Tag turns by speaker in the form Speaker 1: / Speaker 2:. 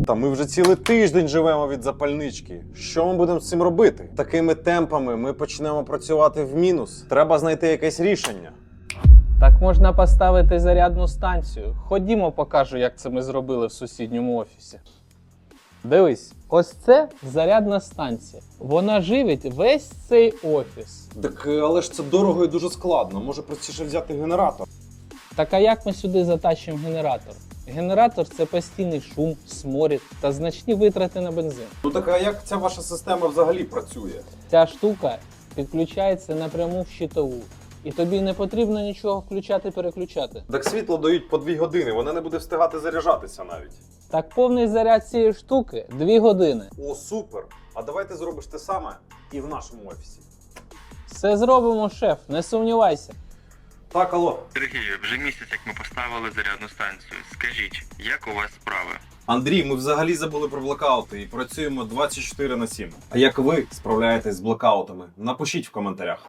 Speaker 1: Та ми вже цілий тиждень живемо від запальнички. Що ми будемо з цим робити? Такими темпами ми почнемо працювати в мінус. Треба знайти якесь рішення.
Speaker 2: Так можна поставити зарядну станцію. Ходімо, покажу, як це ми зробили в сусідньому офісі. Дивись, ось це зарядна станція. Вона живить весь цей офіс.
Speaker 1: Так, але ж це дорого і дуже складно. Може простіше взяти генератор?
Speaker 2: Так а як ми сюди затащимо генератор? Генератор – це постійний шум, сморід та значні витрати на бензин.
Speaker 1: Ну так, а як ця ваша система взагалі працює?
Speaker 2: Ця штука підключається напряму в щитову. І тобі не потрібно нічого включати-переключати.
Speaker 1: Так світло дають по 2 години, вона не буде встигати заряджатися навіть.
Speaker 2: Так повний заряд цієї штуки – 2 години.
Speaker 1: О, супер! А давай ти зробиш те саме і в нашому офісі.
Speaker 2: Все зробимо, шеф, не сумнівайся.
Speaker 1: Так, алло.
Speaker 3: Сергію, вже місяць, як ми поставили зарядну станцію. Скажіть, як у вас справи?
Speaker 1: Андрій, ми взагалі забули про блокаути і працюємо 24/7. А як ви справляєтесь з блокаутами? Напишіть в коментарях.